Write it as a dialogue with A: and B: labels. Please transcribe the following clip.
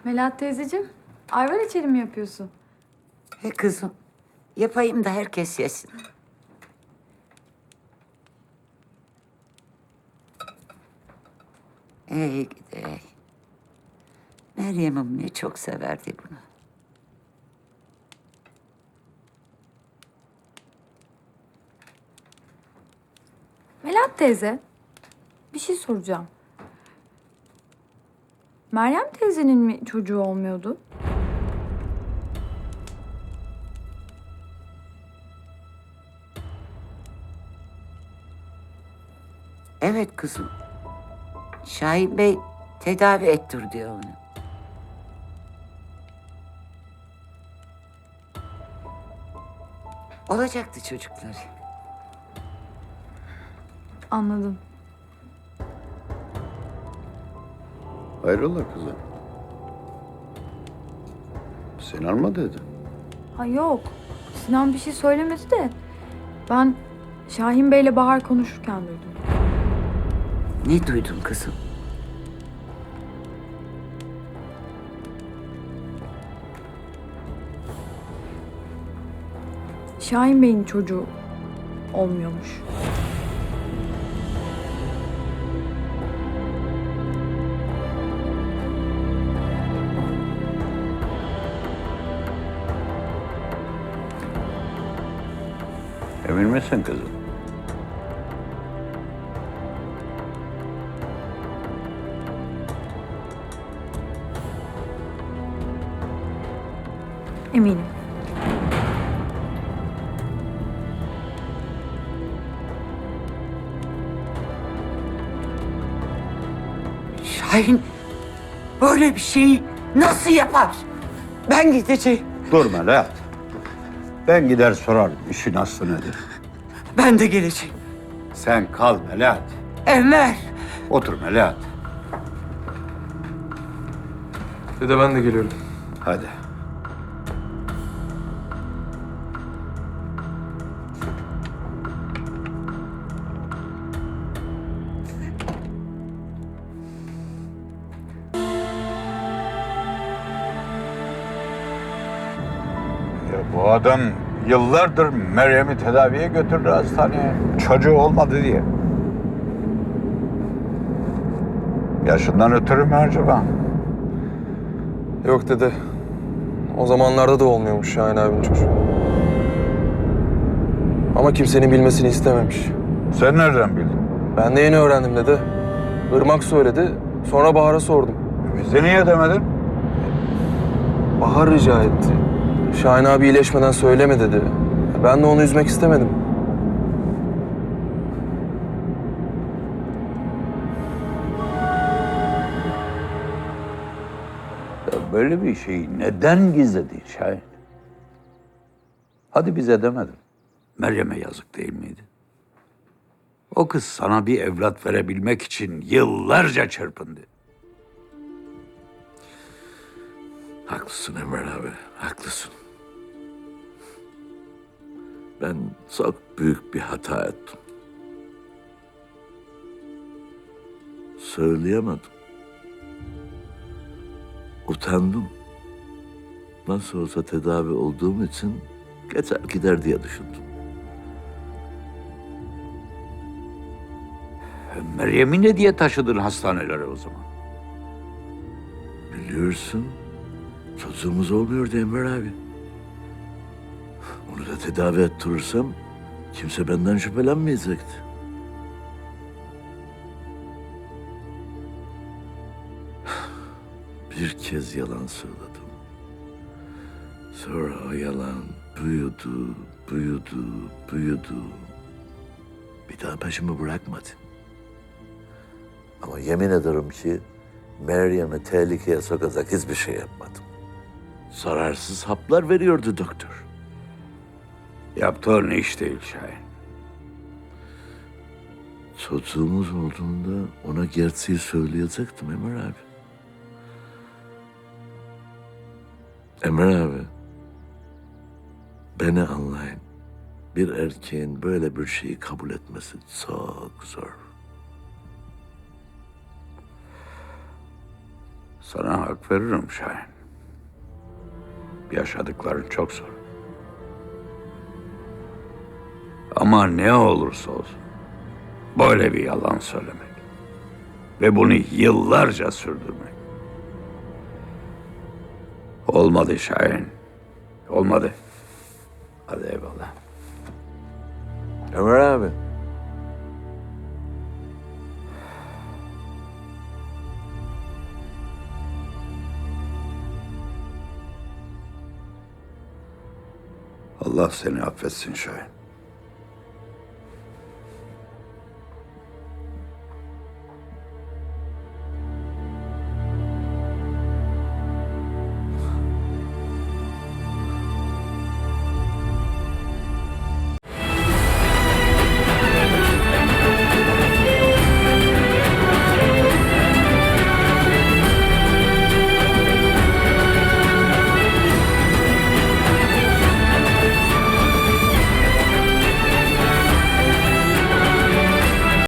A: Melahat teyzeciğim, ayvar içeri mi yapıyorsun?
B: He kızım, yapayım da herkes yesin. Ey gidi ey. Meryem'im ne çok severdi bunu.
A: Melahat teyze, bir şey soracağım. Meryem teyzenin mi çocuğu olmuyordu?
B: Evet kızım. Şahin Bey tedavi ettir diyor onu. Olacaktı çocukları.
A: Anladım.
C: Hayrola kızım? Sinan mı dedi?
A: Ha yok, Sinan bir şey söylemedi de ben Şahin Bey'le Bahar konuşurken duydum.
B: Ne duydun kızım?
A: Şahin Bey'in çocuğu olmuyormuş.
C: Emin misin kızım?
A: Eminim.
B: Şahin böyle bir şeyi nasıl yapar? Ben gideceğim.
C: Dur Melahat. Ben gider sorarım işin aslı nedir.
B: Ben de geleceğim.
C: Sen kal Melahat.
B: Enver.
C: Otur Melahat.
D: Dede ben de geliyorum.
C: Hadi. Ya bu adam yıllardır Meryem'i tedaviye götürdü hastaneye. Çocuğu olmadı diye. Yaşından ötürü mü acaba?
D: Yok dede. O zamanlarda da olmuyormuş Şahin abinin çocuğu. Ama kimsenin bilmesini istememiş.
C: Sen nereden bildin?
D: Ben de yeni öğrendim dede. Irmak söyledi. Sonra Bahar'a sordum.
C: Bize niye demedin?
D: Bahar rica etti. Şahin abi iyileşmeden söyleme dedi. Ben de onu üzmek istemedim.
C: Ya böyle bir şeyi neden gizledin Şahin? Hadi bize demedin. Meryem'e yazık değil miydi? O kız sana bir evlat verebilmek için yıllarca çırpındı.
E: Haklısın Emre abi, haklısın. Ben çok büyük bir hata ettim. Söyleyemedim. Utandım. Nasıl olsa tedavi olduğum için geçer gider diye düşündüm.
C: Meryem'i ne diye taşıdın hastanelere o zaman?
E: Biliyorsun, çocuğumuz olmuyordu Emre abi. Onu da tedavi ettirirsem kimse benden şüphelenmeyecekti. Bir kez yalan söyledim. Sonra o yalan büyüdü, büyüdü, büyüdü. Bir daha peşimi bırakmadı. Ama yemin ederim ki Meryem'i tehlikeye sokacak hiçbir şey yapmadım. Zararsız haplar veriyordu doktor.
C: Yaptığın iş değil Şahin.
E: Çocuğumuz olduğunda ona gerçeği söyleyecektim Emre abi. Emre abi, beni anlayın. Bir erkeğin böyle bir şeyi kabul etmesi çok zor.
C: Sana hak veririm Şahin. Yaşadıkların çok zor. Ama ne olursa olsun böyle bir yalan söylemek ve bunu yıllarca sürdürmek. Olmadı Şahin. Olmadı. Hadi eyvallah.
E: Ömer abi.
C: Allah seni affetsin Şahin.